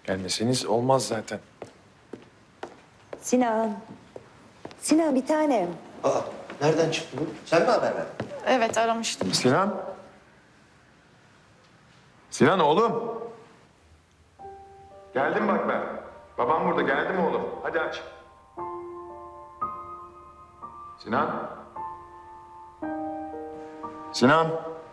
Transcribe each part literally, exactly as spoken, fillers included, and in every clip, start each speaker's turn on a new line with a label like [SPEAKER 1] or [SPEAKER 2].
[SPEAKER 1] Gelmeseniz olmaz zaten.
[SPEAKER 2] Sinan. Sinan bir tanem.
[SPEAKER 3] Aa, nereden çıktı bu? Sen mi haber verdin?
[SPEAKER 4] Evet, aramıştım.
[SPEAKER 1] Sinan. Sinan oğlum. Geldim bak ben. Babam burada. Geldim oğlum. Hadi aç. Sinan. Sinan.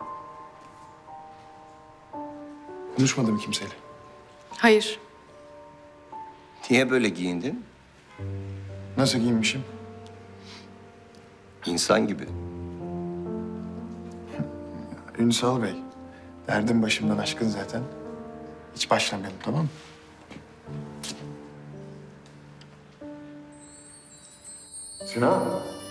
[SPEAKER 1] Konuşmadım kimseyle.
[SPEAKER 4] Hayır.
[SPEAKER 3] Niye böyle giyindin?
[SPEAKER 1] Nasıl giyinmişim?
[SPEAKER 3] İnsan gibi.
[SPEAKER 1] Ünsal Bey. Derdim başımdan aşkın zaten. Hiç başlamayalım, tamam mı? Sinan.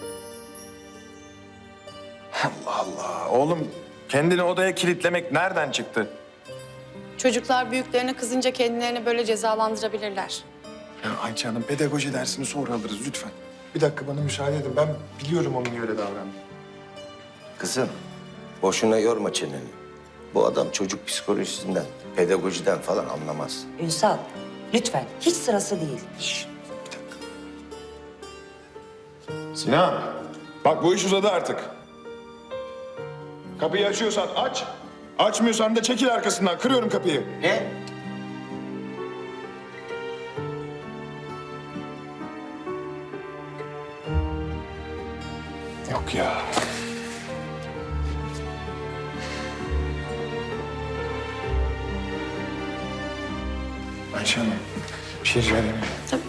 [SPEAKER 1] Allah Allah. Oğlum kendini odaya kilitlemek nereden çıktı?
[SPEAKER 4] Çocuklar büyüklerine kızınca kendilerini böyle cezalandırabilirler.
[SPEAKER 1] Ya Ayça Hanım, pedagoji dersini sonra alırız lütfen. Bir dakika bana müsaade edin. Ben biliyorum onun niye öyle davrandığını.
[SPEAKER 3] Kızım, boşuna yorma çeneni. Bu adam çocuk psikolojisinden, pedagojiden falan anlamaz.
[SPEAKER 2] Ünsal, lütfen. Hiç sırası değil.
[SPEAKER 1] Şişt, bir dakika. Sinan, bak bu iş uzadı artık. Kapıyı açıyorsan aç. Açmıyorsan da çekil arkasından. Kırıyorum kapıyı.
[SPEAKER 3] Ne?
[SPEAKER 1] Yok ya. Ayşe Hanım, bir şey rica edeyim mi?
[SPEAKER 4] Tabii.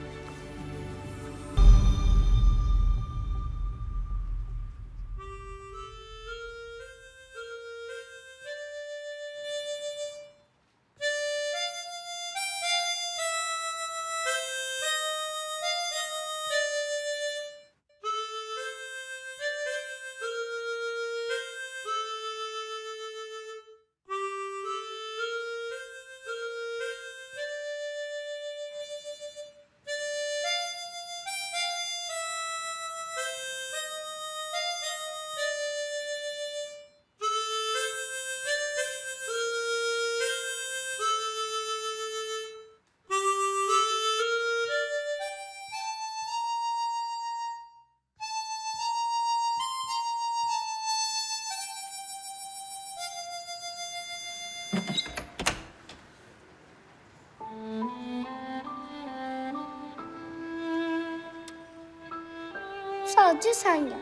[SPEAKER 5] Sadece sen gel.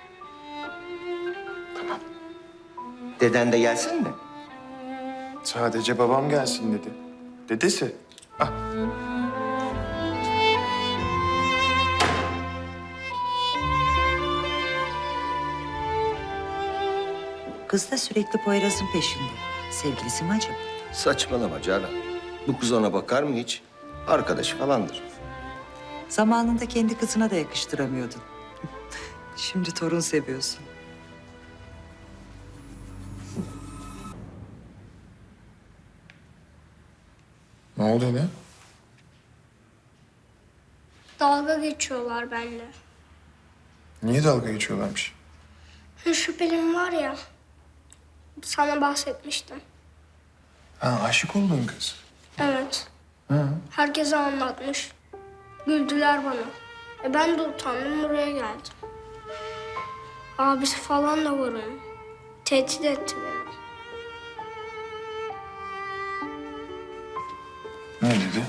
[SPEAKER 3] Deden de gelsin mi?
[SPEAKER 1] Sadece babam gelsin dedi. Dedesi. Ah.
[SPEAKER 2] Kız da sürekli Poyraz'ın peşinde. Sevgilisi mi acaba?
[SPEAKER 3] Saçmalama Canan. Bu kız ona bakar mı hiç? Arkadaşı falandır.
[SPEAKER 2] Zamanında kendi kızına da yakıştıramıyordun. Şimdi torun seviyorsun.
[SPEAKER 1] Ne oldu ne?
[SPEAKER 5] Dalga geçiyorlar benimle.
[SPEAKER 1] Niye dalga geçiyorlarmış?
[SPEAKER 5] Şu şüphelim var ya, sana bahsetmiştim.
[SPEAKER 1] Ha, aşık olduğun kız.
[SPEAKER 5] Evet,
[SPEAKER 1] Ha.
[SPEAKER 5] herkese anlatmış. Güldüler bana. E ben de utandım, buraya geldim. Abisi falan da var onun. Tehdit etti beni.
[SPEAKER 1] Ne dedi?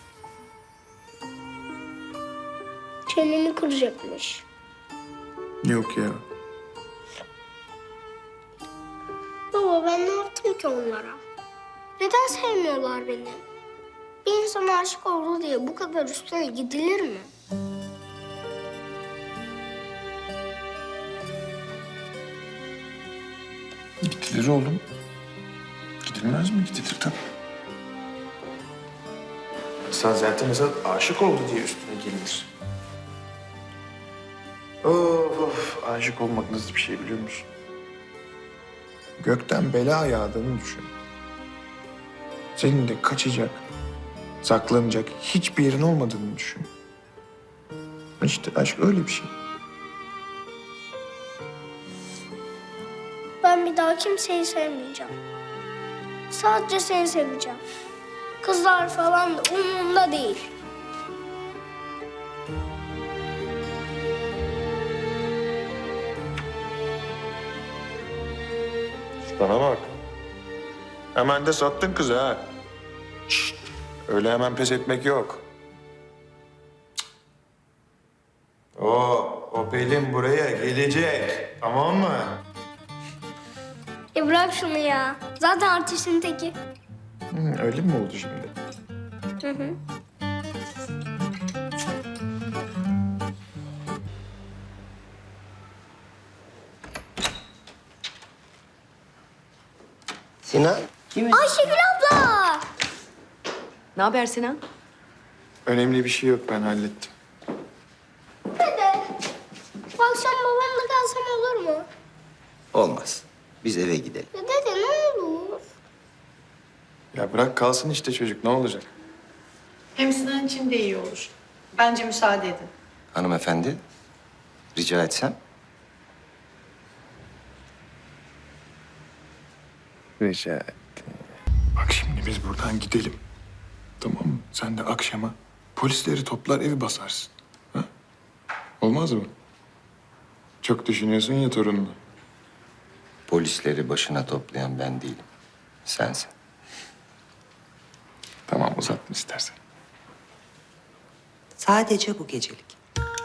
[SPEAKER 5] Çeneni kıracakmış.
[SPEAKER 1] Yok ya.
[SPEAKER 5] Baba ben ne yaptım ki onlara? Neden sevmiyorlar beni? Bir insan aşık oldu diye bu kadar üstüne gidilir mi?
[SPEAKER 1] Gidilir oğlum. Gidilmez mi? Gidilir tabii. Sen zaten mesela aşık oldu diye üstüne gelinir. Of of, aşık olmak nasıl bir şey biliyor musun? Gökten bela yağdığını düşün. Senin de kaçacak, saklanacak hiçbir yerin olmadığını düşün. İşte aşk öyle bir şey.
[SPEAKER 5] Ben bir daha kimseyi sevmeyeceğim. Sadece seni seveceğim. Kızlar falan da umurumda değil.
[SPEAKER 1] Bana bak. Hemen de sattın kızı ha. Şşt, öyle hemen pes etmek yok. Cık. O, o Pelin buraya gelecek. Tamam mı?
[SPEAKER 5] E bırak şunu ya. Zaten artistin teki.
[SPEAKER 1] Hı, öyle mi oldu şimdi?
[SPEAKER 5] Hı hı.
[SPEAKER 3] Sinan.
[SPEAKER 5] Ayşegül abla!
[SPEAKER 6] Ne haber Sinan?
[SPEAKER 1] Önemli bir şey yok, ben hallettim.
[SPEAKER 5] Dede, bu akşam babamla kalsam olur mu?
[SPEAKER 3] Olmaz. Biz eve gidelim.
[SPEAKER 5] Ya dede ne olur?
[SPEAKER 1] Ya bırak kalsın işte çocuk, ne olacak?
[SPEAKER 4] Hem Sinan için de iyi olur. Bence müsaade edin.
[SPEAKER 3] Hanımefendi, rica etsem.
[SPEAKER 1] Rica ettim. Bak şimdi biz buradan gidelim. Tamam mı? Sen de akşama polisleri toplar evi basarsın. Ha? Olmaz mı? Çok düşünüyorsun ya torununu.
[SPEAKER 3] Polisleri başına toplayan ben değilim. Sensin.
[SPEAKER 1] Tamam uzatma istersen.
[SPEAKER 2] Sadece bu gecelik.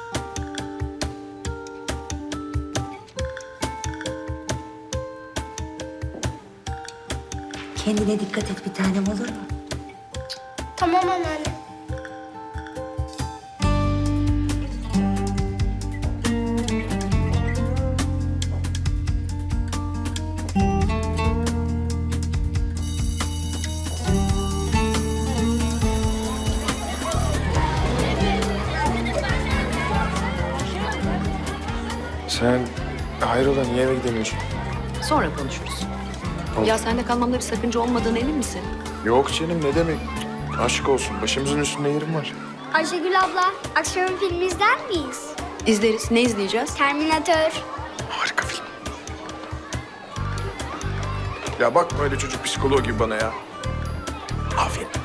[SPEAKER 2] Kendine dikkat et bir tanem, olur mu?
[SPEAKER 5] Tamam anneanne.
[SPEAKER 1] Sen hayrola niye eve gidemiyorsun?
[SPEAKER 6] Sonra konuşuruz. Ya sende kalmamda bir sakınca olmadığına emin misin?
[SPEAKER 1] Yok canım, ne demek? Aşk olsun, başımızın üstünde yerim var.
[SPEAKER 5] Ayşegül abla, akşam film izler miyiz?
[SPEAKER 6] İzleriz. Ne izleyeceğiz?
[SPEAKER 5] Terminator.
[SPEAKER 1] Harika film. Ya bakma öyle çocuk psikoloğu gibi bana ya. Aferin.